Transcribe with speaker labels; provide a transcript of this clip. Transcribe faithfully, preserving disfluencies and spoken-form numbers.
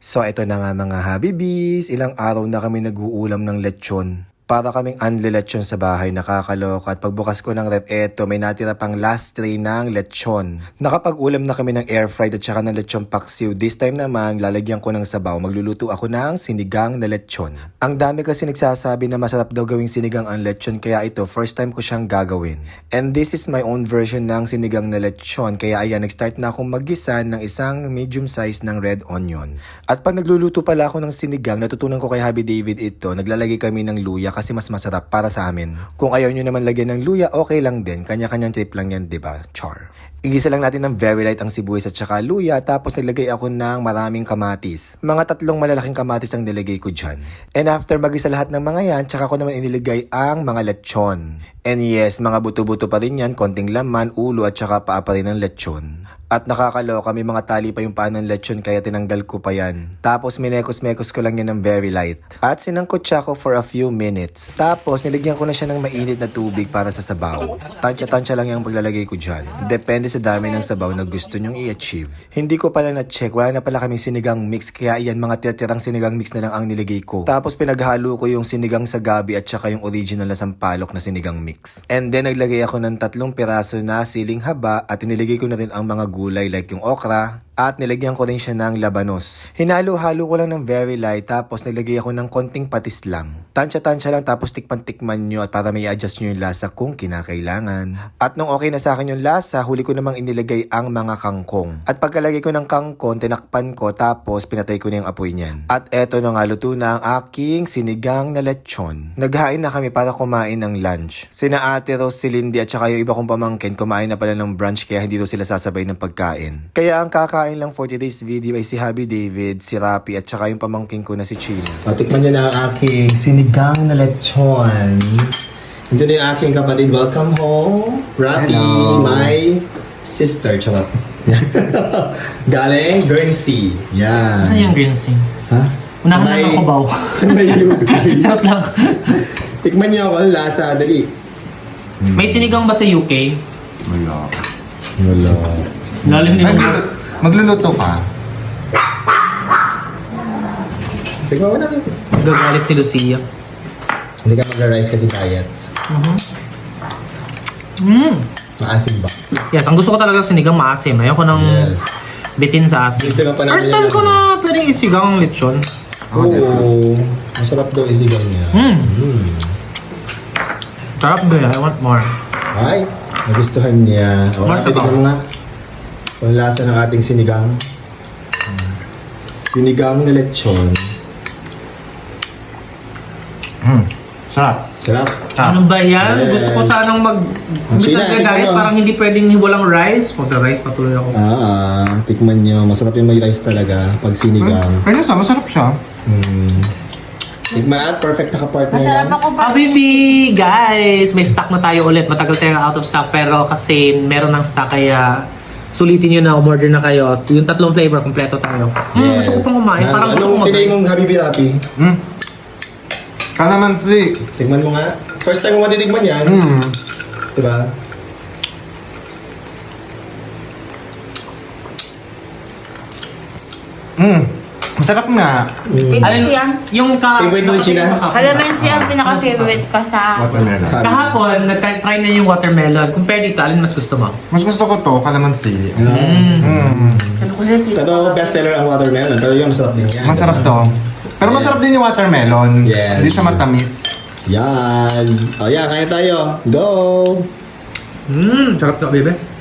Speaker 1: So ito na nga mga habibis, ilang araw na kami nag-uulam ng lechon. Para kaming unli-lechon sa bahay, nakakaloka. At pagbukas ko ng rep, eto, may natira pang last tray ng lechon. Nakapag-ulam na kami ng air fried at saka ng lechon paksiw. This time naman, lalagyan ko ng sabaw. Magluluto ako ng sinigang na lechon. Ang dami kasi nagsasabi na masarap daw gawing sinigang ang lechon, kaya ito, first time ko siyang gagawin. And this is my own version ng sinigang na lechon. Kaya ayan, nag-start na akong maggisa ng isang medium size ng red onion. At pag nagluluto pala ako ng sinigang, natutunan ko kay Happy David ito, naglalagay kami ng luya kasi mas masarap para sa amin. Kung ayaw nyo naman lagyan ng luya, okay lang din. Kanya-kanyang trip lang yan, diba? Char. Igisa lang natin ng very light ang sibuyas at saka luya, tapos naglagay ako ng maraming kamatis. Mga tatlong malalaking kamatis ang nilagay ko dyan. And after magisa lahat ng mga yan, tsaka ko naman iniligay ang mga lechon. And yes, mga buto-buto pa rin yan, konting laman, ulo at saka paa pa rin ng lechon. At nakakaloka, may mga tali pa yung paa ng lechon kaya tinanggal ko pa yan. Tapos minekos-mekos ko lang yan ng very light. At sinangkot siya ko for a few minutes. Tapos nilagyan ko na siya ng mainit na tubig para sa sabaw. Tansya-tansya lang yung paglalagay ko dyan. Depende sa dami ng sabaw na gusto nyong i-achieve. Hindi ko pala na-check, wala na pala kaming sinigang mix, kaya iyan mga tiratirang sinigang mix na lang ang niligay ko. Tapos pinaghalo ko yung sinigang sa gabi at saka yung original na sampalok na sinigang mix. And then naglagay ako ng tatlong piraso na siling haba at iniligay ko na rin ang mga gulay like yung okra. At nilagyan ko rin siya ng labanos. Hinalo-halo ko lang ng very light, tapos nilagay ako ng konting patis lang. Tansya-tansya lang, tapos tikman-tikman nyo at para may adjust nyo yung lasa kung kinakailangan. At nung okay na sa akin yung lasa, huli ko namang inilagay ang mga kangkong. At pagkalagay ko ng kangkong, tinakpan ko, tapos pinatay ko na yung apoy niyan. At eto na nga, luto na ang aking sinigang na lechon. Naghain na kami para kumain ng lunch. Sina Ate Rose, si Lindy at saka yung iba kong pamangkin, kumain na pala ng brunch kaya hindi daw sila sasabay ng pagkain. Kaya ang kakain lang for today's video ay si Happy David, si Rapi at saka yung pamangkin ko na si Chino. O, tikman nyo na ang aking sinigang na lechon. Ito na yung aking kapatid. Welcome home, Rapi,
Speaker 2: Hello.
Speaker 1: my sister. Charot. Galing Guernsey. Yan.
Speaker 2: Saan yung green sing?
Speaker 1: Ha?
Speaker 2: Unahan
Speaker 1: Sa
Speaker 2: lang
Speaker 1: may-
Speaker 2: ako baw.
Speaker 1: Sa may U K.
Speaker 2: Charot lang.
Speaker 1: Tikman nyo ako, lasa, dali.
Speaker 2: May sinigang ba sa U K?
Speaker 3: Wala.
Speaker 1: Wala.
Speaker 2: Lalim ni
Speaker 3: Magluluto, magluluto ka?
Speaker 1: Tikman mo namin.
Speaker 2: Gagalit si Lucia.
Speaker 1: Hindi ka mag-rice kasi diet.
Speaker 2: Mm.
Speaker 1: Maasim ba?
Speaker 2: Yes, ang gusto ko talaga sinigang maasim. Ayoko ng
Speaker 1: Yes.
Speaker 2: bitin sa asim.
Speaker 1: Dito ka pa namin
Speaker 2: First time
Speaker 1: yan.
Speaker 2: ko na pwedeng isigang ang lechon.
Speaker 1: Oo. Masarap daw isigang niya.
Speaker 2: Mm.
Speaker 1: Mm.
Speaker 2: Sarap ba? I want more.
Speaker 1: Ay, nagustuhan niya. O,
Speaker 2: Masarap.
Speaker 1: kapit mo nga. Ang lasa ng ating sinigang. Sinigang na lechon.
Speaker 3: Hmm. Sarap.
Speaker 1: Sarap.
Speaker 2: Ano ba yan?
Speaker 1: Yes.
Speaker 2: Gusto ko sanang mag... Gusto
Speaker 1: China,
Speaker 2: ko diet,
Speaker 1: ikaw.
Speaker 2: parang hindi pwedeng walang rice. Magka-rice patuloy ako.
Speaker 1: Ah, ah, tikman niyo. Masarap yung may rice talaga pag sinigang.
Speaker 3: Kaya sa masarap siya.
Speaker 1: Mm. Tikman at perfect na ka-partner
Speaker 4: Masarap
Speaker 1: yan.
Speaker 4: ako pa.
Speaker 2: Habibi! Guys! May stock na tayo ulit. Matagal tayo out of stock pero kasi meron ng stock kaya sulitin nyo na, umorder na kayo. Yung tatlong flavor, kompleto tayo. Mm, gusto ko pang kumain.
Speaker 1: Ah,
Speaker 2: Parang gusto ko
Speaker 1: anong tinay mong Habibi Rapi?
Speaker 3: Hmm. Kalamansi.
Speaker 1: Tikman mo nga. First time mo matitigman yan.
Speaker 3: Hmm.
Speaker 1: Diba?
Speaker 3: Hmm. Masarap nga.
Speaker 1: Mm.
Speaker 2: Alin,
Speaker 4: Yan.
Speaker 2: yung ka...
Speaker 1: Favorite mo yung China?
Speaker 4: Calamansi ang pinaka-favorite ka sa...
Speaker 3: Watermelon.
Speaker 2: Kahapon, nag-try na yung watermelon. Compare dito, alin mas gusto mo?
Speaker 3: Mas gusto ko to, kalamansi.
Speaker 2: Mm.
Speaker 3: Hmm.
Speaker 4: Sabi ko sa'yo, tito.
Speaker 1: Totoo, bestseller ang watermelon, pero yung masarap din yan.
Speaker 3: Masarap to. Pero masarap din yung watermelon.
Speaker 1: Yes.
Speaker 3: Hindi siya matamis.
Speaker 1: Yan. O yan, kaya tayo. Go!
Speaker 2: Mmm, sarap na, bebe.